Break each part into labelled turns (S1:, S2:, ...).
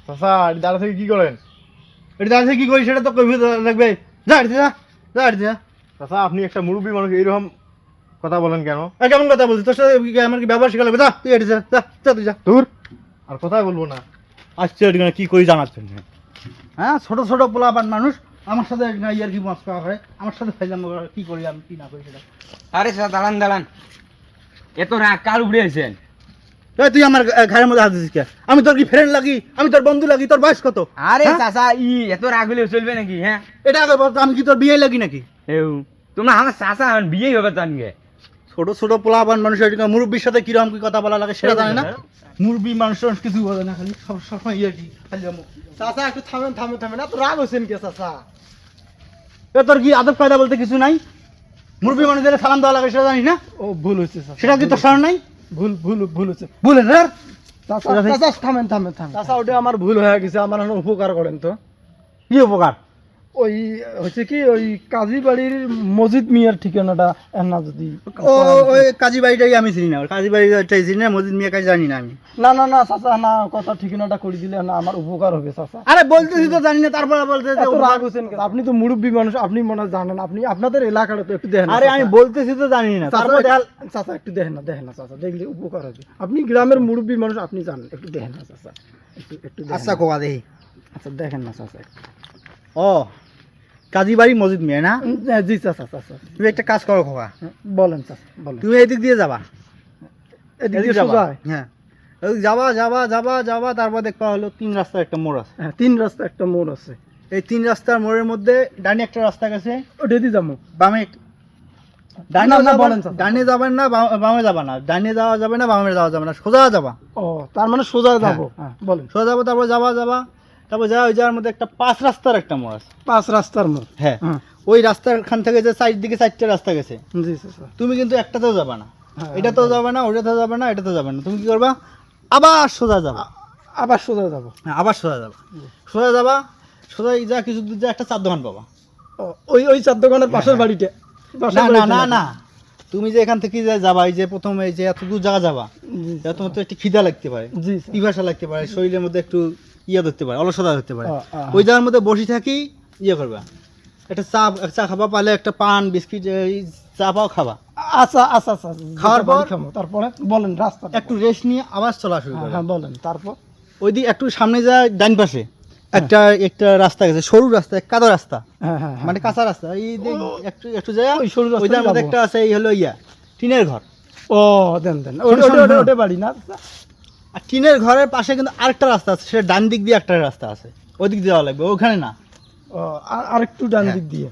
S1: চাচা এটি দাঁড়া থেকে কি করেন? এটি দাঁড়া থেকে কি করি সেটা তো কইবে লাগবে। যা এটি যা, যা এটি যা। চাচা আপনি একটা মুরব্বী মানুষ এইরকম কথা বলেন কেন? কেমন কথা বলছিস? তোর সাথে আমার কি ব্যবহার শেখা লাগবে? যা তুই এটি যা, যা যা তুই যা দূর। আর কথা বলবো না। আসছে এটি কি করি জানাচ্ছেন? হ্যাঁ, ছোট ছোট পোলাপান মানুষ আমার সাথে ইয়ার কি মাছ খাওয়া হয়, আমার সাথে ফাইলাম কি করি আমি কি না করি সেটা।
S2: আরে স্যার দাঁড়ান দাঁড়ান, এত রাগ কার উপরে আছেন?
S1: তুই আমার ঘরের মধ্যে হাত দিছিস কে? আমি তোর কি ফ্রেন্ড লাগি? আমি তোর বন্ধু লাগি? তোর বয়স কত?
S2: আরে চাচা এত রাগ হলে চলবে নাকি? হ্যাঁ
S1: এটা আগে বলতো, আমি কি তোর বিয়ে লাগি নাকি?
S2: তোমরা আমার চাচা বিয়েই হবে জানগে।
S1: ছোট ছোট পোলাপান মানুষ মুরব্বীর সাথে কিরকম কি কথা বলা লাগে সেটা জানে না। মুরব্বী মানুষ কিছু বলে না, খালি সবসময় ইয়ে কি খালি
S3: চাচা একটু থামেন থামেন থামেন, এত রাগ হচ্ছেন কে চাচা?
S1: তোর কি আদব কায়দা বলতে কিছু নাই? মুরব্বী মানুষদের সালাম দেওয়া লাগে সেটা জানিস না?
S3: ও ভুল হচ্ছে
S1: সেটা কি তোর স্মরণ নাই?
S3: ভুল হচ্ছে
S1: বলেন রে
S3: চাচা। চাচা থামেন থামেন থামেন চাচা, ওটা আমার ভুল হয়ে গেছে, আমার উপকার করেন তো।
S1: কি উপকার?
S3: ওই হচ্ছে কি, ওই কাজী বাড়ির মসজিদ মিয়ার ঠিকানাটা না যদি।
S1: ও ওই কাজী বাড়িটাই আমি চিনি না, কাজী বাড়িটাই চিনি না, মসজিদ মিয়া কাজ জানি না আমি।
S3: না না না চাচা, না কথা ঠিকানাটা করে দিলে না আমার উপকার হবে চাচা।
S1: আরে বলতেছি তো জানি না, তারপরে বলতে
S3: এত রাগ হচ্ছেন কেন? আপনি তো মুরব্বী মানুষ, আপনি মনে হয় জানেন, আপনি আপনাদের এলাকাটা তো একটু দেখেন।
S1: আরে আমি বলতেছি তো জানি না, তারপরে
S3: চাচা একটু দেখেন না চাচা, দেখলে উপকার হবে। আপনি গ্রামের মুরব্বী মানুষ, আপনি জানেন, একটু দেখেন না চাচা, একটু
S1: আচ্ছা কোয়া দেখি।
S3: আচ্ছা দেখেন না চাচা।
S1: ও কাজী বাড়ি মসজিদ মিয়া না?
S3: জি চাচা চাচা।
S1: তুমি একটা কাজ করো খোকা,
S3: বলেন চাচা বলেন।
S1: তুমি এদিক দিয়ে যাবা,
S3: এদিক দিয়ে
S1: যাবা।
S3: সোজা?
S1: হ্যাঁ যাবা যাবা যাবা যাবা, তারপর দেখবা হলো 3 রাস্তার একটা মোড় আছে।
S3: হ্যাঁ, 3 রাস্তা একটা মোড় আছে।
S1: এই 3 রাস্তার মোড়ের মধ্যে ডানে একটা রাস্তা গেছে,
S3: ওটা দিয়ে যাবো।
S1: বামে
S3: না, না, বলেন চাচা।
S1: ডানে যাবেন না, বামে যাবা না, ডানে যাওয়া যাবে না, বামে যাওয়া যাবে না, সোজা যাবা।
S3: ও তার মানে সোজা যাবো। হ্যাঁ বলেন।
S1: সোজা যাবো, তারপর যাবা যাবা, তারপর যাওয়া ওই যাওয়ার মধ্যে একটা 5 রাস্তার একটা মোড় আছে।
S3: 5 রাস্তার মোড়?
S1: হ্যাঁ, ওই রাস্তার খান থেকে যে সাইড দিকে 4টা রাস্তা গেছে।
S3: জি চাচা।
S1: তুমি কিন্তু একটাতেও যাবে না, এটাতেও যাবে না, ওটাতেও যাবে না, এটাতেও যাবে না। তুমি কি করবা? আবার সোজা যাবা।
S3: আবার সোজা যাবো?
S1: হ্যাঁ, আবার সোজা যাবা। সোজা যাবা, সোজা যা কিছু দূর যা একটা চার দোকান পাবা।
S3: ওই চার দোকানের পাশের বাড়িতে?
S1: না না না না, তুমি যে এখান থেকে যে যাবা, এই যে প্রথমে এই যে এত দূর জায়গা যাবা, তোমার তো একটু খিদা লাগতে পারে,
S3: জি
S1: পিপাসা লাগতে পারে, শরীরের মধ্যে একটু ইয়ে ধরতে পারে, অলসতা ধরতে পারে। ওই জায়গার মধ্যে বসে থাকি ইয়ে করবা, একটা চা খাবা, পালে একটা পান বিস্কিট চা পাও খাবা।
S3: আচ্ছা আচ্ছা আচ্ছা,
S1: খাওয়ার পর
S3: তারপরে বলেন রাস্তা
S1: একটু রেস্ট নিয়ে আবার চলা শুরু করবা।
S3: হ্যাঁ বলেন। তারপর
S1: ওই দিকে একটু সামনে যায়, ডান পাশে একটা একটা রাস্তা গেছে, সরু রাস্তা, কাদা রাস্তা,
S3: হ্যাঁ
S1: মানে কাঁচা রাস্তা। এই একটু একটু যায়
S3: ওই সরু রাস্তায়
S1: ওইটার মধ্যে একটা আছে, এই হলো ইয়া টিনের ঘর।
S3: ও দেন ওটা বাড়ি না?
S1: আর টিনের ঘরের পাশে কিন্তু আরেকটা রাস্তা আছে, সেটা ডান দিক দিয়ে একটা রাস্তা আছে, ওই দিক দিয়ে যাওয়া লাগবে, ওখানে না।
S3: ও আরেকটু ডান দিক দিয়ে?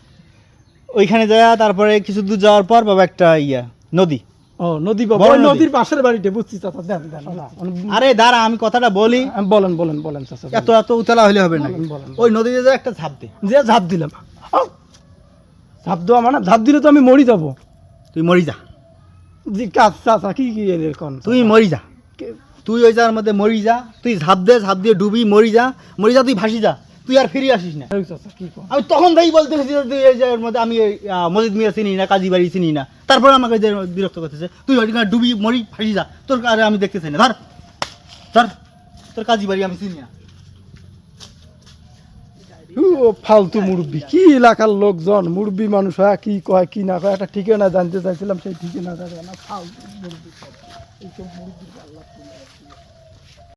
S1: ওইখানে যায়, তারপরে কিছু দূর যাওয়ার পর বাবা একটা ইয়া নদী।
S3: ও নদী বাবা, ওই নদীর পাশের বাড়িতে? বুঝছি চাচা, দেন দেন।
S1: আরে দাঁড়া, আমি কথাটা বলি।
S3: বলেন বলেন বলেন চাচা।
S1: এত এত উতলা হলে হবে না, ওই নদীতে যায় একটা ঝাঁপ দে।
S3: যে ঝাঁপ দিলাম, ঝাঁপ দেওয়া মানে ঝাঁপ দিলে তো আমি মরি যাবো।
S1: তুই মরি যা।
S3: জি কাজ চাচা, কি কি এখন?
S1: তুই মরি যা, তুই ওই জায়গার মধ্যে মরি যা, তুই ঝাঁপ দে, ঝাঁপ দিয়ে ডুবি মরি যা, তুই ভাসি যা, তুই আর ফিরে আসিস না।
S3: চাচা কি কর?
S1: আমি তখন তাই বলতেছি যে তুই এই জায়গার মধ্যে, আমি মসজিদ মিয়া চিনি না, কাজী বাড়ি চিনি না, তারপরে আমাকে যে বিরক্ত করতেছে, তুই ওইখানে ডুবি মরি ফাঁসি যা, তোর আরে আমি দেখতে চাই না, ধর ধর, তোর কাজী বাড়ি আমি চিনি না।
S3: ফালতু মুরব্বী, কি এলাকার লোকজন মুরব্বী মানুষ হয়, কি কয় কি না কয়, একটা ঠিকানা জানতে চাইছিলাম, সেই ঠিকানা জানে না। ফালতু মুরব্বী।